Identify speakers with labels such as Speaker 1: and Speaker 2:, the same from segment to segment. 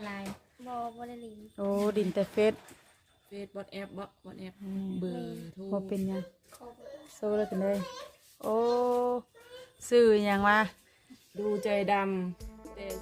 Speaker 1: ไลน์
Speaker 2: บ่ได้ลิน
Speaker 3: โอ้ดินแต่เฟซ
Speaker 4: วอทแอปวอทแอปเบอร์โทร
Speaker 3: บ่เป็นหยังโซแล้วกันเลยโอ้ซื้อหยังมา
Speaker 4: ดูใจดำแต่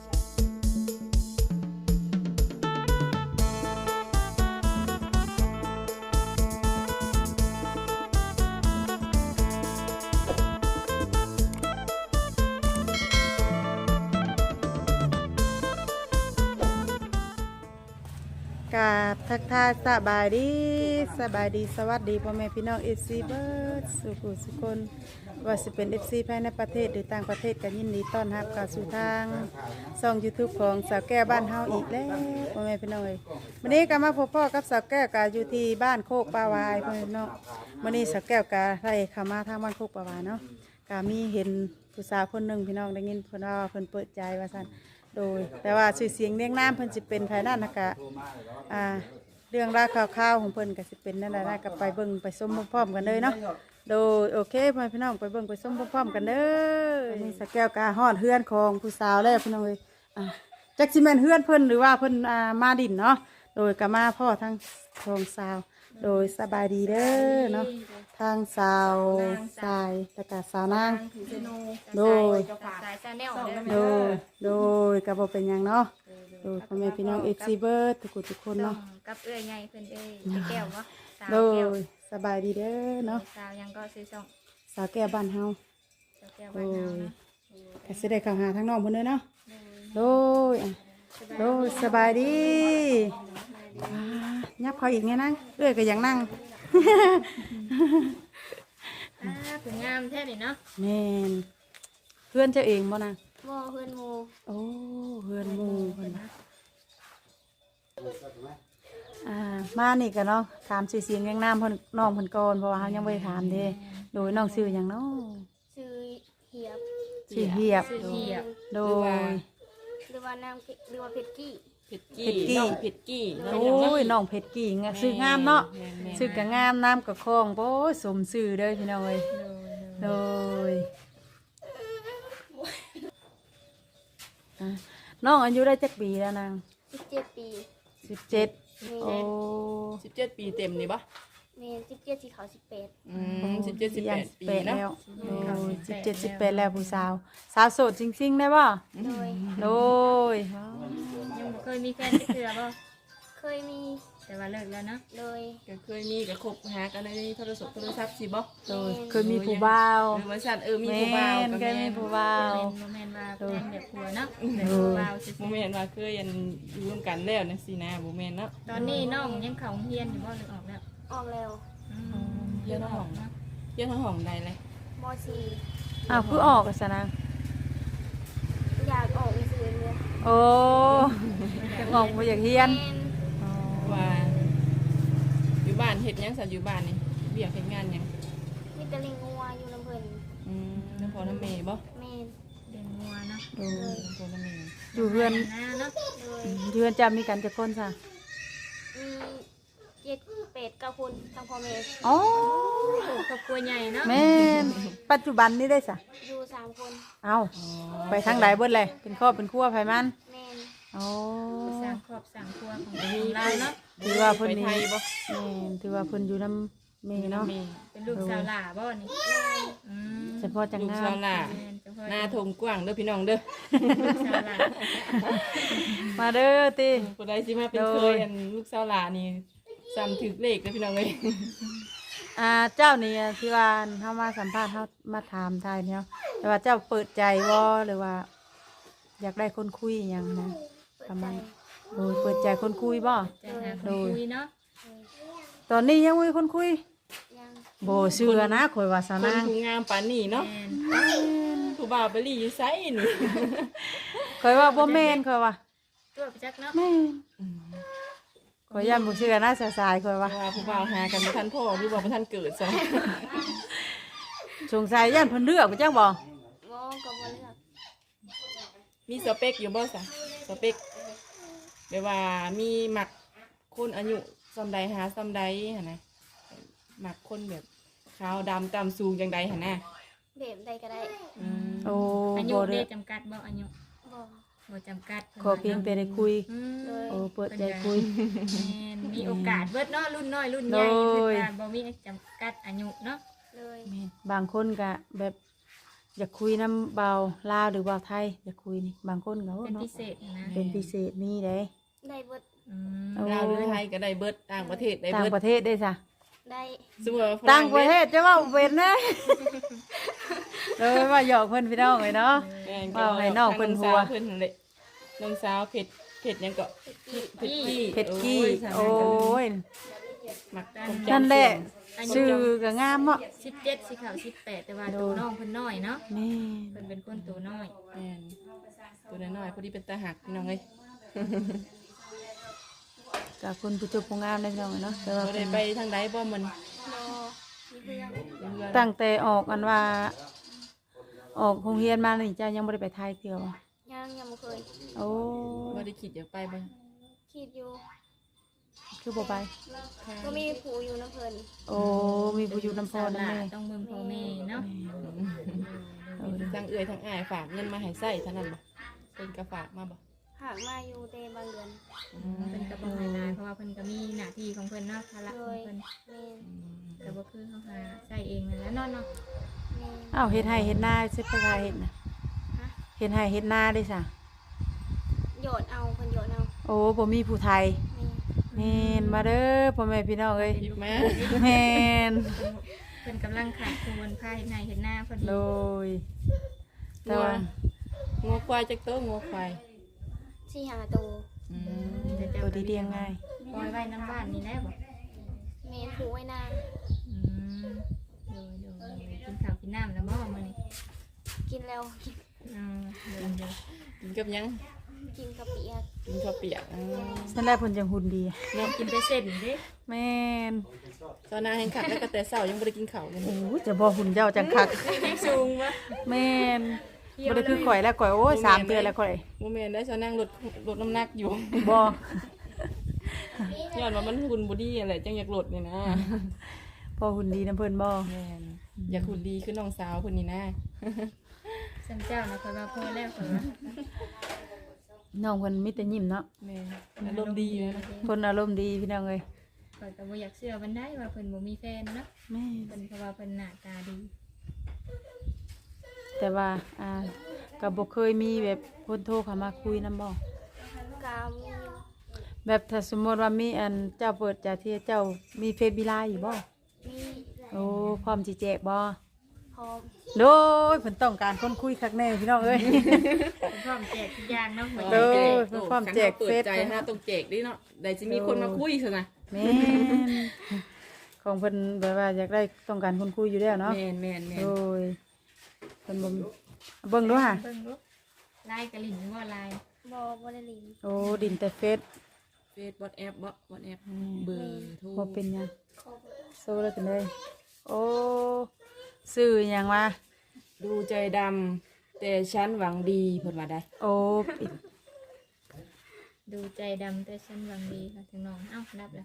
Speaker 3: กราบทักทายสบายดีสวัสดีพ่อแม่พี่น้อง FC เบิร์ดสุขุสุคนว่าสิเป็น FC ภายในประเทศหรือต่างประเทศกันยินดีต้อนรับเข้าสู่ทางช่อง YouTube ของสาวแก้วบ้านเฮาอีกแล้วพ่อแม่พี่น้องวันนี้ก็มาพบพ่อกับสาวแก้วก็อยู่ที่บ้านโคกปาวายพ่อแม่พี่น้องวันนี้สาวแก้วก็ได้เข้ามาทางบ้านโคกปาวายเนาะก็มีเห็นผู้สาวคนหนึ่งพี่น้องได้ยินเพิ่นว่าเพิ่นเปิดใจว่าซั่นโดยแต่ว่าชื่อเสียงเรียงนามเพิ่นสิเป็นภายนั่นนะกะเรื่องราวข่าวๆของเพิ่นก็สิเป็นนั่นแหละนะก็ไปเบิ่งไปชมพร้อมๆกันเลยเนาะโดยโอเคพ่อพี่น้องไปเบิ่งไปชมพร้อมๆกันเด้อนี่สักแก้วกาฮอดเฮือนของผู้สาวแล้วพี่น้องเอ้ยจักสิแม่นเฮือนเพิ่นหรือว่าเพิ่นมาดินเนาะโดยก็มาพ่อทั้งทองสาวโดยสบายดีเด้อเนาะทางสาวสายแล้วก็สาวนางโดย
Speaker 1: สายชาแนล
Speaker 3: โดยกระบอกเป็นอย่างเนาะโดยพ่อแม่พี่น้องFCเบิร์ดทุกคนเนาะ
Speaker 1: กับเอื้อยใหญ่เพิ่นแก้ววะสาว
Speaker 3: โด
Speaker 1: แก้วย
Speaker 3: สบายดีเด้อเนาะ
Speaker 1: สาวยังก็ซื้อส่ง
Speaker 3: สาวแก้วบ้านเฮา
Speaker 1: สาวแก้ว
Speaker 3: โด
Speaker 1: บ้านเฮาย นะ
Speaker 3: ก็สิได้เข้าหาทั้งน้องเพิ่นเด้อเนาะโดยสบายดียับเขาอีกไงนั่งเอื้อยก็ยังนั่ง
Speaker 1: ถึงงามแท้ดิเนาะ
Speaker 3: แม่นเพื่อนเจ้าเองบ่นาง
Speaker 2: บ่เพื่อนหมู่
Speaker 3: โอ้เพื่อนหมู่เพิ่นมานี่กันเนาะถามชื่อเสียงเรียงนามเพิ่นน้องเพิ่นก่อนเพราะว่าเฮายังบ่ได้ถามเด้โดยน้องชื่อหยังเนาะ
Speaker 2: ชื่อเหียบ
Speaker 3: ชื่อเหียบ
Speaker 1: ซื้อเหียบ
Speaker 3: โดย
Speaker 2: หรือว่าน้ำหรือว่าเพชรกี้
Speaker 4: เพชรกี้น้องเพชรกี้
Speaker 3: โอ้ยน้องเพชรกิ่งอะชื่องามเนาะชื่อก็งามน้ำก็คล่องโอ้ยสมชื่อเด้อพี่น้องเอ้ยโดยน้องอายุได้จักปีแล้วนาง
Speaker 2: 17 ปี
Speaker 3: 17โอ้
Speaker 4: 17 ปีเต็มนี่ปะ
Speaker 2: แม่17ที่เขา18
Speaker 4: 17 18 ปี
Speaker 3: แล้
Speaker 4: เนาะ
Speaker 3: วโดย17 18แล้วผู้สาวสาวโสดจริงๆได้ป่ะ
Speaker 2: โดย
Speaker 3: โดย
Speaker 1: ยังบ่เคยมีแฟนจักเทื่อบ่
Speaker 2: เคยมี
Speaker 1: แต่ว่าเลิกแล้วเนาะ
Speaker 2: โดย
Speaker 4: ก็เคยมีก็คบหากันในโทรศัพท์สิบ่
Speaker 3: โดยเคยมีผู้บ่าว
Speaker 4: ว่าซั่นมีผู้บ่าวก็
Speaker 3: เคย
Speaker 4: แม่
Speaker 3: มี
Speaker 4: น
Speaker 3: ผู้บ่าว
Speaker 1: บ่แม่นว่าแฟนแบบผัวเนาะแต่ผู้บ่าวซื่
Speaker 4: บ่
Speaker 1: อ
Speaker 4: แม่นว่าเคยอยู่ร่วมกันแล้วจังซี่นะบ่แม่นเนาะ
Speaker 1: ๆตอนนี้น้องยังเข้าโรงเรียนอยู่บ่หรือออกแล้ว
Speaker 2: ออกแล้ว
Speaker 4: เรียนห้องเรียนห้องใดเลย
Speaker 2: ม .4
Speaker 3: อ้าวคือออกกันซะนะ
Speaker 2: อยากออกอีกซื่อเลย
Speaker 3: โอ้จะออกมาอยากเฮียน
Speaker 2: แม่น
Speaker 4: ว่าอยู่บ้านเฮ็ดหยังซั่นอยู่บ้านนี่เวียกเฮ็ดงานหยัง
Speaker 2: มีแต่ลิงงัวอยู่น้ำเพิ่น
Speaker 4: น้ำพ่อน้ำแม่บ่
Speaker 2: แม่น
Speaker 1: เดินงัวเนาะ
Speaker 3: โดย
Speaker 4: น้ำพ่อน้ำแม่
Speaker 3: อยู่เฮือน
Speaker 1: หน้าเนาะ
Speaker 2: โดย
Speaker 3: เฮือนจะมีกันจะคนซะ
Speaker 2: มี7 8 9คนทั้งพ่อแม่
Speaker 3: อ๋อ
Speaker 1: ครอบครัวใหญ่เนาะ
Speaker 3: แม่นปัจจุบันนี้ได้ซะ
Speaker 2: อยู่3คน
Speaker 3: เอาไปทางไหนเบิดเลยเป็นครอบเป็นครัวไผมัน
Speaker 2: แม่น
Speaker 3: โอ้
Speaker 1: สร้างครอบสร้างครัวของเราเนาะ
Speaker 3: ถือว่าเพิ่น
Speaker 4: ไป
Speaker 3: นี่
Speaker 4: ไทยบ่
Speaker 3: แม่นถือว่าเพิ่นอยู่น้ำแม่เนาะ
Speaker 4: แม่
Speaker 1: เป็นลูกสาวหล่าบ่นี่อืม
Speaker 3: เฉพาะจัง
Speaker 4: ลูก
Speaker 3: งา
Speaker 4: สาว
Speaker 3: ม
Speaker 4: หล่า
Speaker 1: แม่นเฉพาะ
Speaker 4: หน้าทงกว้างเด้อพี่น้องเด้อ
Speaker 1: ลูกสาวหล่า
Speaker 3: มาเด้อติ
Speaker 4: ผู้ใดสิมาเป็นเคยลูกสาวหล่านี่ซ้ำถึกเลขเด้อพี่น้องเอ้ย
Speaker 3: เจ้านี่ที่ว่าเฮามาสัมภาษณ์เฮามาถามทายเนี่ยแต่ว่าเจ้าเปิดใจบ่หรือว่า อยากได้คนคุยหยังนะประมาณโดยเปิดใจคนคุยบ่
Speaker 1: จะหาคนคุยเนาะ
Speaker 3: ตอนนี้ยังมีคนคุย
Speaker 2: ยัง
Speaker 3: บ่เชื่อนะข่อยว่าสา
Speaker 4: คน
Speaker 3: นาง
Speaker 4: ผู้งามปานนี้เนาะ
Speaker 1: แม่น
Speaker 4: ผู้บ่าวไปลี่อยู่ไสนี่
Speaker 3: ข่อยว่าบ่แม่นข่อยว่า
Speaker 1: ตัวไปจักเนาะ
Speaker 3: แม่นข่อยย่านบ่เชื่อนะสายๆข่อยว่า
Speaker 4: ว่าผู้บ่าวหากันบ่ทันพ่อหรือว่าบ่ทันเกิดซะ
Speaker 3: สงสัยย่านเพิ่นเลือกบ่จังบ่
Speaker 2: บ่ก็บ่เลือก
Speaker 4: มีสเปคอยู่บ่ซะสเปคแบบว่ามีมักคนอายุส่ำใดหาส่ำใดหั่นนะมักคนแบบขาวดำต่ำสูงจังใดหั่นน่ะ
Speaker 2: แบบใดก็ได้
Speaker 3: โอ้
Speaker 1: อายุ
Speaker 3: บ่
Speaker 1: ได้
Speaker 3: เด้อ
Speaker 1: จำกัดบ่อายุ
Speaker 2: บ่
Speaker 1: บ่จำกัด
Speaker 3: ขอเพียงแต่ได้คุย
Speaker 1: อืม
Speaker 2: โดย
Speaker 3: โอ้เปิดใจคุย
Speaker 1: แม่นมีโอกาสเบิดเนาะรุ่นน้อยรุ่นใหญ่
Speaker 3: โด
Speaker 1: เพิ่
Speaker 3: ย
Speaker 1: นก็บ่มีจำกัดอายุเนาะ
Speaker 2: เลย
Speaker 3: บางคนก็แบบอยากคุยน้ำเบาลาวหรือเบาไทยอยากคุยนี่บางคนก็
Speaker 1: เป็น
Speaker 3: เนาะ
Speaker 1: พิเศษนะ
Speaker 3: เป็นพิเศษมีเด้
Speaker 2: ได้เบิด
Speaker 1: อืม
Speaker 3: โอ้
Speaker 4: ลาวหรือไทยก็ได้เบิดต่างประเทศได้
Speaker 3: ต่าง
Speaker 4: เบิด
Speaker 3: ประเทศได้จ้ะ
Speaker 2: ได้
Speaker 4: สมมุติว่าฝ
Speaker 3: ต่างประเทศจะว่าเป็นนะ เลยว่าหยอกเพิ่นพี่น้องเลยเนาะ
Speaker 4: แม่น
Speaker 3: ว่าให้น้องเพิ่นหัว
Speaker 4: น้องสาวเพิ่นนั่นแหละน้องสาวเผ็ดหยังก็เผ็ดกี้
Speaker 3: เผ็ดกี้
Speaker 4: โอ้
Speaker 3: โอ้
Speaker 4: ย
Speaker 3: ย
Speaker 4: หมัก
Speaker 3: นั่นแหละชื่อก็งามเนาะ
Speaker 1: 17สิเข้า18แต่ว่าตัวน้องเพิ่นน้อยเนาะ
Speaker 3: นี่
Speaker 1: เพิ่นเป็นคนตัวน้อย
Speaker 4: แม่นตัวน้อยๆพอดีเป็นตาหักพี่น้องเอ้ย
Speaker 3: กับคนผู้จบผู้งามได้พี่น้องเนาะแต่ว่า
Speaker 4: บ่ได้ไปทางใดบ่มัน
Speaker 2: รอมีเพื่อน
Speaker 4: เพื่อน
Speaker 3: ตั้งแต่ออกอันว่า ออกโรงเรียนมานี่เจ้ายังบ่ได้ไปไทยเที่ยวบ่
Speaker 2: ยังบ่เคย
Speaker 3: โอ้
Speaker 4: บ่ได้คิดอยากไปบ่
Speaker 2: คิดอยู่
Speaker 3: คือบ่ไป
Speaker 2: ก็มีผู้อยู่น้ำเพิ่น
Speaker 3: โอ้มีผู้อยู่น้ำพ
Speaker 1: สาว
Speaker 3: ร
Speaker 1: หลา
Speaker 3: นำแม่
Speaker 1: ต้องเบิ่งพ่อแม่เนาะ
Speaker 4: ทั้งเอื้อยทั้งอ้ายฝากเงินมาให้ใช้เท่านั้นบ่เพิ่นก็ฝากมาบ่
Speaker 2: หากมาอยู่แต่บางเดือน
Speaker 1: เพิ่นก็บ่ให้หลายเพราะว่าเพิ่นก็มีหน้าที่ของเพิ่นเนาะภาระของเพิ่น
Speaker 2: แม่น
Speaker 1: ก็บ่คือเฮาหาใช้เองนั่นแหละเนาะเนาะ
Speaker 2: แม่น
Speaker 3: อ้าวเฮ็ดให้เฮ็ดนาสิไปไทยเฮ็ดน่ะ
Speaker 2: ฮะ
Speaker 3: เฮ็ดให้เฮ็ดนาได้ซะ
Speaker 2: โยนเอาเพิ่นโยนเอา
Speaker 3: โอ้บ่มีผู้ไทย
Speaker 2: แม่น
Speaker 3: แม่นมาเด้อพ่อแม่พี่น้องเอ้ย
Speaker 4: หยิบมา
Speaker 3: แม่น
Speaker 1: เพิ่นกำลังขาดคนพาเฮ็ดนาเฮ็ดนาพอดี
Speaker 3: โดยแต่ว่า
Speaker 4: งัวควายจักโตงัวควาย
Speaker 2: สี่หาตัว
Speaker 4: อืม
Speaker 3: ตัวดีเลี้ยงง่าย
Speaker 1: ปล่อยไว้น้ำบ้านนี่แหละบ่
Speaker 2: แม่นผูไว้นาน
Speaker 1: อืมโดยกินข้าวกินน้ำแล้วบ่มื้อนี้
Speaker 2: กินแล้วกิน
Speaker 1: อืมเดี๋ยว
Speaker 4: กินกับหยัง
Speaker 2: กินกะปิอะ
Speaker 4: กินข้าวเปียก
Speaker 3: นั่นแหละเพิ่นจังหุ่นดี
Speaker 1: กินแต่เส้นเด้
Speaker 3: แม่น
Speaker 4: ตอนนาแห่งขัดแล้วก็แต่เช้ายังบ่ได้กินข้าวเลย
Speaker 3: โอ้จะบ่หุ่นเจ้าจังคัก
Speaker 1: ยังสูงบ่
Speaker 3: แม่นบ่ได้คือข่อยแล้วข่อยโอ้ย3เดือนแล้วข่อย
Speaker 4: บ่แม่นได้เช้านั่งลดน้ำหนักอยู่
Speaker 3: บ่
Speaker 4: ย้อนว่ามันหุ่นบ่ดีอะไรจังอยากลดนี่นะ
Speaker 3: พอหุ่นดีนํเพิ่นบ่
Speaker 4: แม่นอยากหุ่นดีคือน้องสาวเพิ่นนี่นะ
Speaker 1: สันเจ้านะคอยว่าพอแล้วคอยว่า
Speaker 3: น้องเพิ่นมีแต่ยิ้มเนาะ
Speaker 4: แม่นอารมณ์ดีเลยนะ
Speaker 3: เพิ่นอารมณ์ดีพี่น้องเอ้ย
Speaker 1: คอยก็บ่อยากเชื่อมันได้ว่าเพิ่นบ่มีแฟนเนาะ
Speaker 3: แม่
Speaker 1: เพิ่นเพราะว่าเพิ่นหน้าตาดี
Speaker 3: แต่ว่าก็บ่เคยมีแบบคนโทรเข้ามาคุยนํบ่
Speaker 2: กามีอยู่
Speaker 3: แบบถ้าสมมติว่ามีอันเจ้าเปิดจากที่เจ้ามีเฟซบีไลน์อยู่บ่
Speaker 2: มี
Speaker 3: โอ้พร้อมสิแจกบ่
Speaker 2: พร้อม
Speaker 3: โดยเพิ่นต้องการคนคุยคักแน่พี่น้องเอ้ย
Speaker 1: เพิ่นพร้อมแจกทุกอย่างเนาะเหมือน
Speaker 3: เอ
Speaker 1: กัน
Speaker 3: อ เพิ่นพร้อมแจก
Speaker 4: เปิด
Speaker 3: เฟซ
Speaker 4: ใจฮะต้องแจกดิเนาะได้สิมีคนมาคุยซะนะ
Speaker 3: แม่นของเพิ่นแบบว่าอยากได้ต้องการคนคุยอยู่แล้วเนาะ
Speaker 4: แม่นแม่นแม่
Speaker 3: โด
Speaker 4: น
Speaker 3: ยเพิ่นบ่เบิ่งดูค่ะ
Speaker 1: เบิ่งลูกลายกะหลิ่นหรือว่าลาย
Speaker 2: บ่ได้ลิน
Speaker 3: โอ้ดินแต่เฟซ
Speaker 4: เฟซบอทแอปบอทแอปเบอร์โทร
Speaker 3: บ่เป็นหยังโซแล้วเป็นเลยโอ้ซื้อหยังวะ
Speaker 4: ดูใจดำแต่ฉันหวังดีเพิ่นว่าได้
Speaker 3: โอ้ปิด
Speaker 1: ดูใจดำแต่ฉันหวังดีค่ะถึงน้องเอ้ารับแล้ว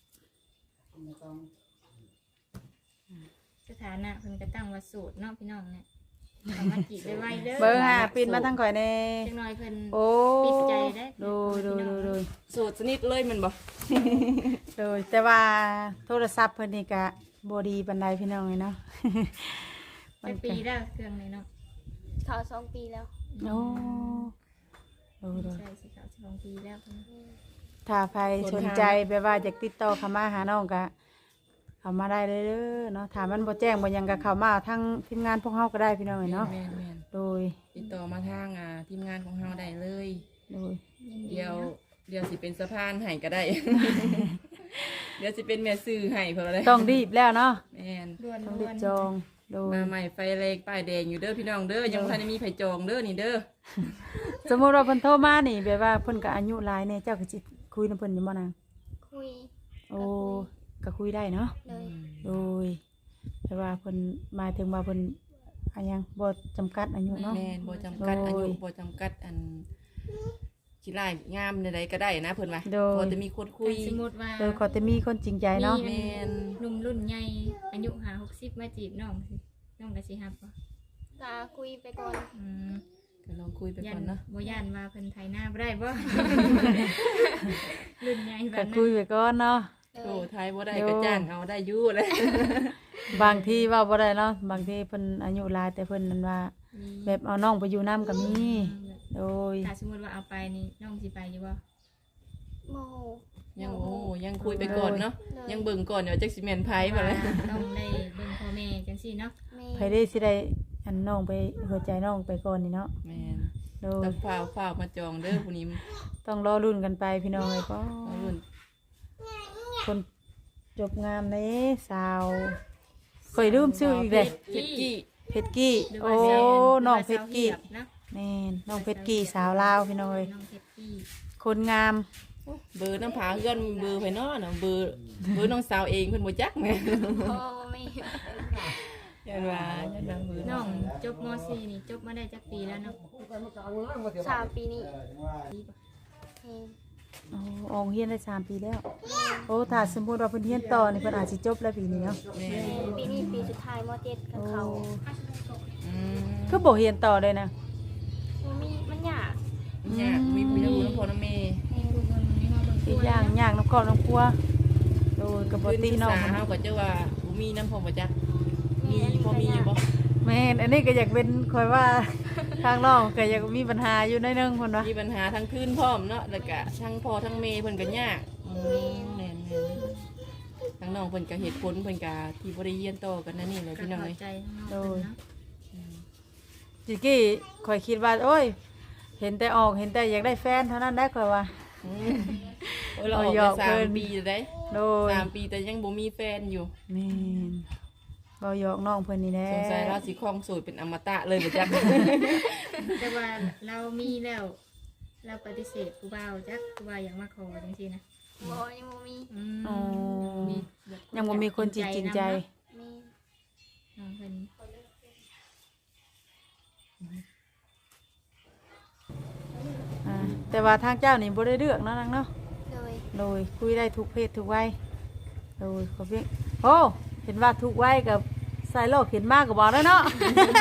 Speaker 1: สถานะเพิ่นก็ตั้งว่าโสดเนาะพี่น้องเนี่ยเอามาจีบไว้ๆเด้อ
Speaker 3: เบิ่งค่ะปิดมาทางข่อยแน่
Speaker 1: จังน้อยเพิ่น
Speaker 3: โอ้
Speaker 1: ปิดใจได้
Speaker 3: โดยโดยโดยโดย
Speaker 4: โสดสนิทเลยแมันบ่
Speaker 3: โดยแต่ว่าโทรศัพท์เพิ่นนี่ก็บ่ดีปานใดพี่น้องเลยเนาะ
Speaker 1: เป็นปีแล้วเครื่องนี้เนาะ
Speaker 2: เขา2 ปีแล้ว
Speaker 3: โอ้โดยโดย
Speaker 1: ใช่สิเขา2 ปีแล้วเพิ่น
Speaker 3: ถ้าใครสนใจแบบว่าอยากติดต่อเข้ามาหาน้องก็เข้ามาได้เลยเด้อเนาะถ้ามันบ่แจ้งบ่หยังก็เข้ามาทางทีมงานพวกเฮาก็ได้พี่น้องเอ้ยเนาะ
Speaker 4: แม่นแม่น
Speaker 3: โดย
Speaker 4: ติดต่อมาทางทีมงานของเราได้เลย
Speaker 3: โดย
Speaker 1: ยินดี
Speaker 4: เดี๋ยว
Speaker 1: เนาะ
Speaker 4: เดี๋ยวสิเป็นสะพานให้ก็ได้ เดี๋ยวสิเป็นแม่ซื้อให้เพิ่นว่าได้
Speaker 3: ต้องรีบแล้วเนาะ
Speaker 4: แม่น
Speaker 1: ด่วน
Speaker 3: ต้อง
Speaker 1: ด่
Speaker 3: รี
Speaker 1: ว
Speaker 3: บ
Speaker 1: น
Speaker 3: จองโดย
Speaker 4: มาใหม่ไฟแรงป้ายแดงอยู่เด้อพี่น้องเด้อยังบ่ทันได้มีไผจองเด้อนี่เด้อ
Speaker 3: สมมุติว่าเพิ่นโทรมานี่แบบว่าเพิ่นก็อายุหลายแน่เจ้าก็สิคุยนำเพิ่นอยู่บ่นาง
Speaker 2: คุย
Speaker 3: โอ้ก็คุยได้เนาะ
Speaker 2: เลย
Speaker 3: โดยแต่ว่าเพิ่นหมายถึงว่าเพิ่นอายังบ่จำกัดอายุเนาะ
Speaker 4: แม่นบ่จำกัดอายุ
Speaker 3: โดย
Speaker 4: บ่จำกัดอันขี้ร้ายงามใดๆก็ได้นะเพิ่นว่า
Speaker 3: โดย
Speaker 4: พอจะมีคนคุย
Speaker 1: สมมติว่า
Speaker 3: โดยขอแต่มีคนจริงใจเนาะ
Speaker 1: มีหนุ่มรุ่นใหญ่อายุ50 60มาจีบน้องสิน้องก็สิฮับบ่
Speaker 2: กาคุยไปก่อน
Speaker 1: อืม
Speaker 4: ก็ลองคุยไป
Speaker 1: ยั
Speaker 4: ก่อน นเนาะ
Speaker 1: บ่ย่านว่าเพิ่นไทยหน้าบ่ได้บ่ รุ่นใหญ่แบ
Speaker 3: ก็
Speaker 1: บนั้
Speaker 3: คุย
Speaker 1: น
Speaker 3: ไปก่อนเนาะ
Speaker 4: โอ้ไทยบ่ได้ก็จ้างเอาได้อยู่เลย
Speaker 3: บางทีเว่าบ่ได้เนาะบางทีเพิ่นอายุหลายแต่เพิ่นนั่นว่า แบบเอาน้องไปอยู่นํก็มีโดย
Speaker 1: ถ้าสมมุติว่าเอาไปนี่น้องสิไปอยู่บ่
Speaker 2: โม
Speaker 4: ยังโอ้ยังคุยไปก่อนเนาะยังเบิ่งก่อนเดี๋ยวจักสิแม่นไผบ่ล่ะ
Speaker 1: ต้องได้เบิ่งพ่อแม่จังซี่เนาะ
Speaker 2: แม่
Speaker 3: ไผได้สิได้อันน้องไปหัวใจน้องไปก่อนนี่เนาะ
Speaker 4: แม่น
Speaker 3: โดย
Speaker 4: ต้องฝ้าวมาจองเด้อผู้นี้
Speaker 3: ต้องรอรุ่นกันไปพี่น้องเอ้ยก็
Speaker 4: เอารุ่น
Speaker 3: คนจบงามเด้สาวเคยลืมชื่ออีกเด้
Speaker 4: เพชรกี้
Speaker 3: เพชรกี้
Speaker 1: หรือ
Speaker 3: โอ้
Speaker 1: ว่า
Speaker 3: น้องเพชรกี้
Speaker 1: เนาะ
Speaker 3: แม่นน้องเพชรกี้สาวลาวพี่น้องเอ้ย
Speaker 1: น้องเพชรกี้
Speaker 3: คนงาม
Speaker 4: เบอร์น้ำผาเฮือนเบอร์ไผเนาะน่ะเบอร์น้องสาวเองเพิ่นบ่จักแม่
Speaker 2: โอ้ไม่
Speaker 4: ยันว่าเบอร์
Speaker 1: น้องจบม .4 นี่จบมาได้จักปีแล้วเนาะ
Speaker 2: 3 ปีนี้แม่
Speaker 3: โอ้อองเฮียนได้3 ปีแล้วโอ้ถ้าสมมุติว่าเพิ่นเฮียนต่อนี่เพิ่นอาจสิจบแล้วปีนี้เนาะ
Speaker 4: แม่
Speaker 2: ปีนี้ปีสุดท้ายม .7 กับเขา
Speaker 4: อืม
Speaker 3: คือบ่เฮียนต่อเลยนะ
Speaker 2: มันยาก
Speaker 4: ยากมีผู้อยู่น้ำพ่อน้ำแม่
Speaker 1: ให้ทุกคนมาเบิ่ง
Speaker 3: อีกอย่างยากน้ำครอบน้ำครัวโดยกับบ่ตีน้อง
Speaker 4: เฮาก็จะว่าบ่มีน้ำพ่อบ่จักมีพอมีอยู่บ่
Speaker 3: แม่นอันนี้ก็อยากเป็นคอยว่าทางน้องก็อยากมีปัญหาอยู่ในอยนึงเพิ่นว่า
Speaker 4: มีปัญหาทั้งคืนพร้อมเนาะแล้วก็ทั้งพ่อทั้งแม่เพิ่นก็ยากแม่นๆทั้งน้องเพิ่นก็เหตุผลเพิ่นก็ที่บ่ได้เรียนต่อกันนั่นนี่แหละ
Speaker 1: ก็
Speaker 4: พี่น้อง
Speaker 1: เข้า
Speaker 4: เอ้ย
Speaker 1: ใจทั้งน้องเพิ่นเนาะ
Speaker 3: จิกี้คอยคิดว่าโอ้ยเห็นแต่ออกเห็นแต่อยากได้แฟนเท่านั้นได้คอยว่า
Speaker 4: อืมโอ้ยเราออก
Speaker 3: หยอก
Speaker 4: ไป
Speaker 3: เพิ่น
Speaker 4: 3 ปีแล้วได้
Speaker 3: โดย
Speaker 4: 3 ปีแต่ยังบ่มีแฟนอยู่
Speaker 3: แม่นบ่หยอกน้องเพิ่นนี่แหละ
Speaker 4: สงสัยเราสิครองโสดเป็นอมตะเลยบ่จัก
Speaker 1: แต่ว่าเรามีแล้ว เราปฏิเสธผู้บ่าวจักผู้บ่าวอยากมาขอจังซี่นะ
Speaker 2: บ่ยังบ่มี
Speaker 3: อ๋อ
Speaker 1: มีแบบ
Speaker 3: ยังบ่มีคนจริงใจ
Speaker 2: แม่
Speaker 1: น้องเพิ่น
Speaker 3: อ่าแต่ว่าทางเจ้านี่บ่ได้เลือกเนาะนางเนาะ
Speaker 2: โดย
Speaker 3: โดยคุยได้ทุกเพศทุกวัยโดยขอเพียงโอ้เห็นว่าทุกวัยกับสายโลกเห็นมากก็บอกแล้วเนาะ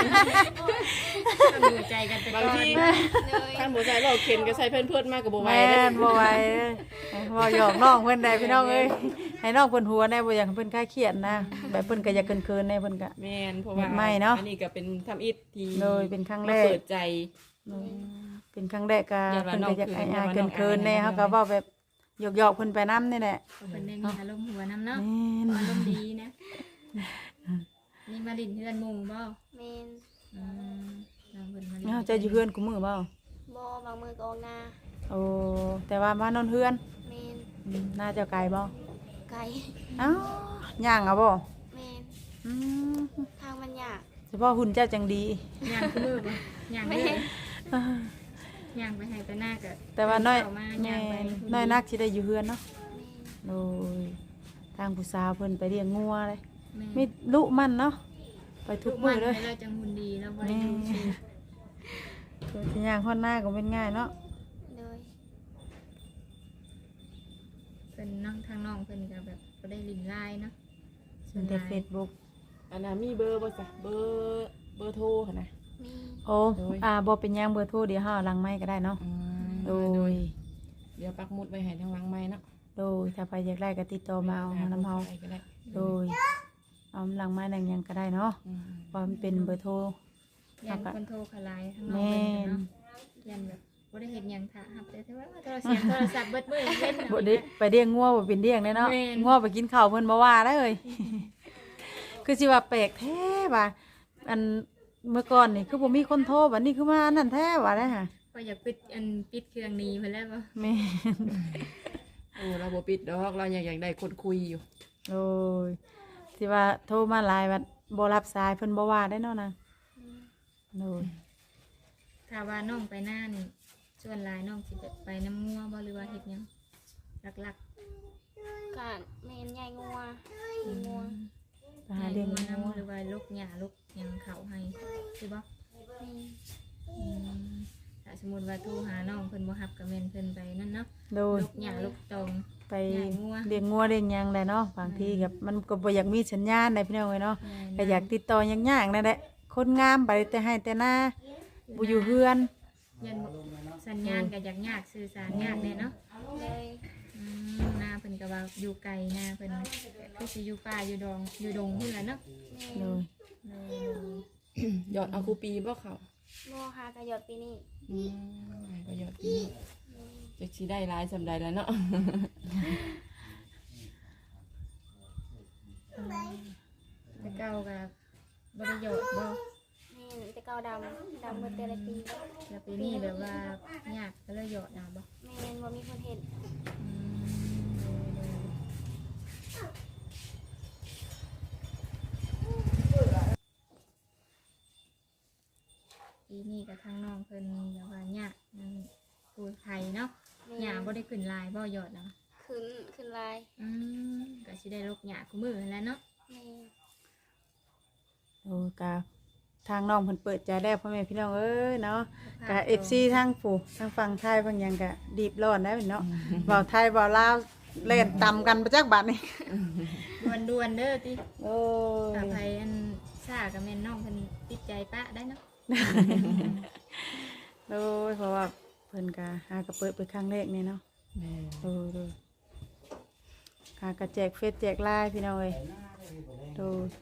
Speaker 1: ต้องดูใจกันไปก่
Speaker 4: บาง
Speaker 1: อน
Speaker 4: ที
Speaker 2: โดย
Speaker 4: ท่านบ่ใส่เราเข็นก็ใส่เพิ่นๆมากก็บ่ไหว
Speaker 3: แม่
Speaker 4: เด้
Speaker 3: นบ่ไหวบ่หยอกน้องเพิ่นได้พี่น้องเอ้ยให้น้องเพิ่นหัวแน่บ่อยากให้เพิ่นคลายเครียดนะแบบเพิ่นก็อยากเคินๆแน่เพิ่นก็
Speaker 4: แม่นเพราะว่า
Speaker 3: ไม่เนาะ
Speaker 4: อันนี้ก็เป็นทำอิฐที่
Speaker 3: โดยเป็นครั้งแร
Speaker 4: มาก เปิดใจ
Speaker 3: เป็นครั้งแรกก็
Speaker 4: อย่าว่า
Speaker 3: เพิ่น
Speaker 4: น้อง
Speaker 3: ก็อยาก
Speaker 4: คืน
Speaker 3: อาย
Speaker 4: อย่าว่าน้อง
Speaker 3: ๆเคินๆแน่
Speaker 4: อาย
Speaker 3: เฮาก็เว้าแบบหยอกๆเพิ่นไปนำนี่แหละ
Speaker 1: เพิ่นได้มีอารมณ์หัวน้ำเนาะ
Speaker 3: แม่น
Speaker 1: อารมณ์ดีนะนี่มาดินเพื่อนหมู่บ่
Speaker 2: แม่น
Speaker 1: อืมน้องเพิ่นมาดิน
Speaker 3: เฮาจะอยู่เฮือนกูมื้อบ่
Speaker 2: บ่บางมือก็ออกนา
Speaker 3: โอ้แต่ว่ามานอนเฮือน
Speaker 2: แม่น
Speaker 3: น่าจะไกลบ่
Speaker 2: ไกล
Speaker 3: อ้าวย่างเอาบ่
Speaker 2: แม่น
Speaker 3: อืม
Speaker 2: ทางมันยาก
Speaker 3: เฉพาะหุ่นเจ้าจังดี
Speaker 1: ย่างคือมือบ่ย่าง
Speaker 2: แม่
Speaker 1: เด้
Speaker 2: น
Speaker 1: ย่างไปให้ไปหน้าก็
Speaker 3: แต่ว่าน้อย
Speaker 1: เข้ามา
Speaker 3: แม่
Speaker 1: ย่างไป
Speaker 3: น้อยนักสิได้อยู่เฮือนเนาะ
Speaker 2: แม่น
Speaker 3: โดยทางผู้สาวเพิ่นไปเลี้ยงงัวเลย
Speaker 1: แม่
Speaker 3: มีลุมันเนาะไปทุกมื้อเลย
Speaker 1: ให้เราจังหุ่นดีแล้วบ่ได้
Speaker 3: แม่
Speaker 1: ดูชื่อ
Speaker 3: ตัวที่ย่างฮ้อนหน้าก็เป็นง่ายเนาะ
Speaker 2: โดย
Speaker 1: เพิ่นน้องทางน้องเพิ่นก็แบบบ่ได้ลิ้นลายเนาะ
Speaker 3: ส่วนแต่ Facebook
Speaker 4: อันนั้นมีเบอร์บ่จ้ะเบอร์โทรค่ะนะ
Speaker 2: มี
Speaker 3: โอ้บ่เป็นหยังเบอร์โทรเดี๋ยวเฮาหลังไม้ก็ได้เนาะโดย
Speaker 4: เดี๋ยวปักหมุดไว้ให้ทางหลังไม้เนาะ
Speaker 3: โดยถ้าไปอยากได้ก็ติดต่อมาเอานำเฮา
Speaker 4: ไปก็ได้
Speaker 3: โดยเอาหลังไม้หลังหยังก็ได้เนาะ
Speaker 4: อืม
Speaker 3: เพราะมันเป็นเบอร์โทร
Speaker 1: ยันคนโทรเขาหลายทางน้อง
Speaker 3: แม่
Speaker 1: เพิ่น
Speaker 3: น
Speaker 1: เนาะยันแบบบ่ได้เฮ็ดหยังค่ะรับแต่ว่าโทรศัพท์โทรศัพท์เบิดมื้อเล่น
Speaker 3: บ่ได้ไปเลี้ยงงัวบ่เป็นเลี้ยงเด้เนาะ
Speaker 1: แม่น
Speaker 3: งัวไปกินข้าวเพิ่นบ่ว่าได้เลย คือสิว่าแปลกแท้ว่าอันเมื่อก่อนนี่คือบ่มีคนโทรบัดนี้คือมาอันนั้นแท้ว่าได้ห่ะ
Speaker 1: ก็อยากปิดเครื่องนี้เพิ่นแล้วบ่
Speaker 3: แม่น
Speaker 4: โอ้เราบ่ปิดดอกเราอยากได้คนคุยอยู่
Speaker 3: โอ้ยสิว่าโทรมาหลายบัดบ่รับสายเพิ่นบ่ว่าได้เนาะนางโอ้ย
Speaker 1: ถ้าว่าน้องไปหน้านี่ส่วนหลายน้องสิแบบไปน้ำงัวบ่หรือว่าเฮ็ดหยังหลัก
Speaker 2: ก็แม่นใหญ่งัว
Speaker 1: ๆ
Speaker 2: งัว
Speaker 3: ไปหาเลี้ยง
Speaker 1: งัว
Speaker 3: งัว
Speaker 1: น้ำหรือว่าลูกหญ้าลูกหยังเขาให้สิบ่
Speaker 2: แม่น
Speaker 1: อืมถ้าสมมุติว่าโทรหาน้องเพิ่นบ่รับก็แม่นเพิ่นไปนั่นเนาะ
Speaker 3: โดย
Speaker 1: ลูกหญ้าลูกตอง
Speaker 3: ไป
Speaker 1: เลี้ยงงัว
Speaker 3: เลี้ยงงัวเลี้ยงหยังได้เนาะบางทีกับมันก็บ่อยากมีสัญญาณได้พี่น้องเอ้ยเนาะ
Speaker 1: แม่น
Speaker 3: ก็อยากติดต่อยากๆนั่นแหละคนงามไปแต่ให้แต่หน้าบ่อยู่เฮือน
Speaker 1: ยันบ่สัญญาณก็อยากยากสื่อสารยากแน่เนาะ
Speaker 2: เลย
Speaker 1: หน้าเพิ่นก็ว่าอยู่ไกลหน้าเพิ่นคือสิอยู่ป่าอยู่ดงพุ่นล่ะเนาะ
Speaker 2: แม่
Speaker 3: โดย
Speaker 4: หยอดเอาคูปีบ่เขา
Speaker 2: โมหากระยอดปีนี้
Speaker 4: ก็หยอดปีนี้จะสิได้หลายสำใดแล้วเนาะ
Speaker 1: แต่เก่าก็บ่ได้หยอดบ่
Speaker 2: แม่นแต่เก่าดำเมื่อแต่ละปี
Speaker 1: แล้วปีนี้แบบว่ายากก็เลยหยอดเอาบ่
Speaker 2: แม่นบ่มีคนเห็น
Speaker 1: ปีนี้ก็ทางน้องเพิ่นแบบว่ายากนั่นผู้ไทยเนาะ
Speaker 2: แม่
Speaker 1: หญ้าบ่ได้ขึ้นลายบ่หยอดเนาะ
Speaker 2: ขึ้นลาย
Speaker 1: ก็สิได้ลกหญ้าคู่มือนั่นแหล้วเนาะ
Speaker 2: แม่น
Speaker 3: โอ้กะทางน้องเพิ่นเปิดใจแล้วพ่อแม่พี่น้องเอ้ยเนาะกะ FC ทางผู้ทางฝั่งไทยบางอย่างกะดีบร้อนได้เนาะเว้าไทยเว้าลาวเล่นตำกันประจักบัดนี่
Speaker 1: ด่วนๆเด้อติ
Speaker 3: โอ้ย
Speaker 1: ถ้าไผอันซ่าก็แม่นน้องเพิ่นติดใจปะได้เนาะ
Speaker 3: โอ้ยเพราะว่าเพิ่นกะหากะเปิดไปครั้งแรกนี่เนาะ
Speaker 4: แม่
Speaker 3: โอ้ยหากะแจกเฟซแจกไลน์พี่น้องเอ้ยโดย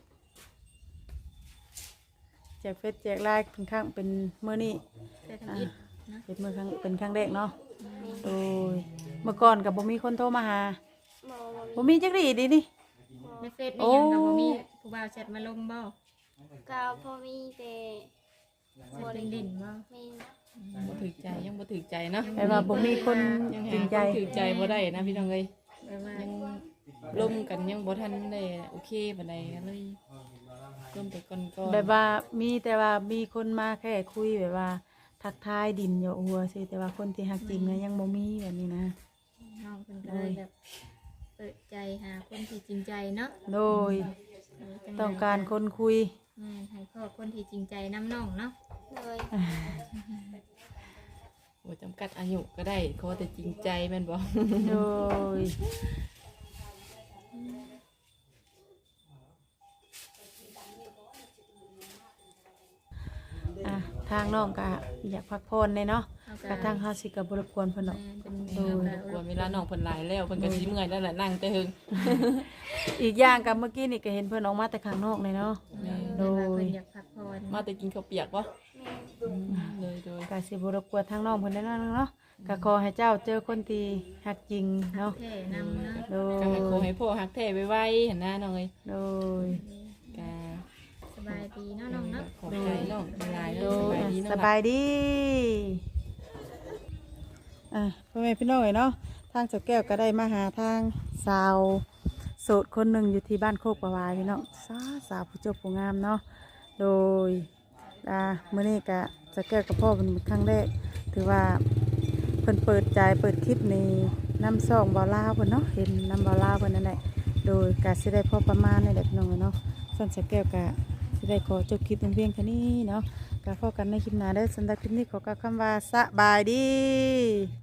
Speaker 3: แจกเฟซแจกไลน์เป็นครั้งเป็นมื้อนี้
Speaker 1: แต่ทำอิฐเนาะ
Speaker 3: เป็นมื้อครั้งเป็นครั้งแรกเนาะโดยเมื่อก่อนก็บ่มีคนโทรมาหา
Speaker 2: บ่มี
Speaker 3: บ่มีจักรีดีนี่
Speaker 1: ในเฟซมีหยังก็บ่มีผู้บ่าวแชทมาลงบ่
Speaker 2: ก็พอมีแต่
Speaker 1: แชทเล่นๆบ่
Speaker 2: แม่น
Speaker 4: บ่ถือใจยังบ่ถือใจเนาะ
Speaker 3: แต่ว่าบ่มีคน
Speaker 4: ยัง
Speaker 3: จริ
Speaker 4: หาง ค
Speaker 3: ใจ
Speaker 4: นถือใจบ่ได้นะพี่น้องเอ้ย
Speaker 1: แบบว่า
Speaker 4: ยังร่วมกันยังบ่ทันได้โอเคปานใดก็เลยร่วมไปก่อน
Speaker 3: แบบว่ามีแต่ว่ามีคนมาแค่คุยแบบว่า ทักทายดินอยู่หัวสิแต่ว่าคนที่ฮักจริงนะยังบ่มีแบบนี้นะ
Speaker 1: น้องเพิ่นก็เลยแบบเปิดใจหาคนที่จริงใจเนาะ
Speaker 3: โดยต้องการคนคุย
Speaker 1: ให้พ่อคนที่จริงใจน้ำน้องเนาะ
Speaker 2: เลย
Speaker 4: บ่จำกัดอายุก็ได้ขอแต่จริงใจแม่นบ่
Speaker 3: โดยอ่ะทางน้องก็อยากพักผ่อนเลยเนาะกระทั่งเฮาสิก็บ่รบกวนเพิ่นเนาะ
Speaker 1: เป็น
Speaker 3: โดย
Speaker 4: กวนเวลาน้องเพิ่นหลายแล้วเพิ่นก็สิเมื่อยแล้วแหละนั่งแต่หึง
Speaker 3: อีกอย่างกับเมื่อกี้นี่ก็เห็นเพิ่นออกมาแต่ข้างนอกเลยเนาะ
Speaker 1: โดยเพิ่นอยากพักผ่อน
Speaker 4: มาแต่กินข้าวเปียกบ่
Speaker 2: แม่น
Speaker 4: เลยโดย
Speaker 3: ก็สิบ่รบกวนทางน้องเพิ่นได้เนาะก็ขอให้เจ้าเจอคนที่ฮักจริงเนาะ
Speaker 1: แท่นำเนาะ
Speaker 3: โด
Speaker 4: ก็ให้ขอย ให้พ่อฮักแท้ไว้ๆหั่นนะน้องเอ้ย
Speaker 3: โดย
Speaker 4: ก็
Speaker 1: สบายดีเนาะน้องเนาะ
Speaker 4: ขอบใจน้องหลายๆ
Speaker 3: โด
Speaker 4: เนาะ
Speaker 3: ย
Speaker 4: ส
Speaker 3: ส
Speaker 4: บา
Speaker 3: บาย ย
Speaker 4: ดี
Speaker 3: ดีพ่อแม่พี่น้องเอ๋ยเนาะทางเจ้าแก้วก็ได้มาหาทางสาวโสดคนหนึ่งอยู่ที่บ้านโคกประวายพี่น้องสาวผู้เจ้าผู้งามเนาะโดยมื้อนี้ก็เจ้าแก้วกับพ่อเป็นครั้งแรกถือว่าเพิ่นเปิดใจเปิดคลิปในน้ำซองบ่าวลาวเพิ่นเนาะเห็นน้ำบ่าวลาวเพิ่นนั่นแหละโดยก็สิได้พอประมาณนี่แหละพี่น้องเอ๋ยเนาะส่วนเจ้าแก้วก็สิได้ขอจบคลิปเพียงแค่นี้เนาะก็พบกันในคลิปหน้าได้อสำหรับคลิปนี้ขอกล่าวคำว่าสบายดี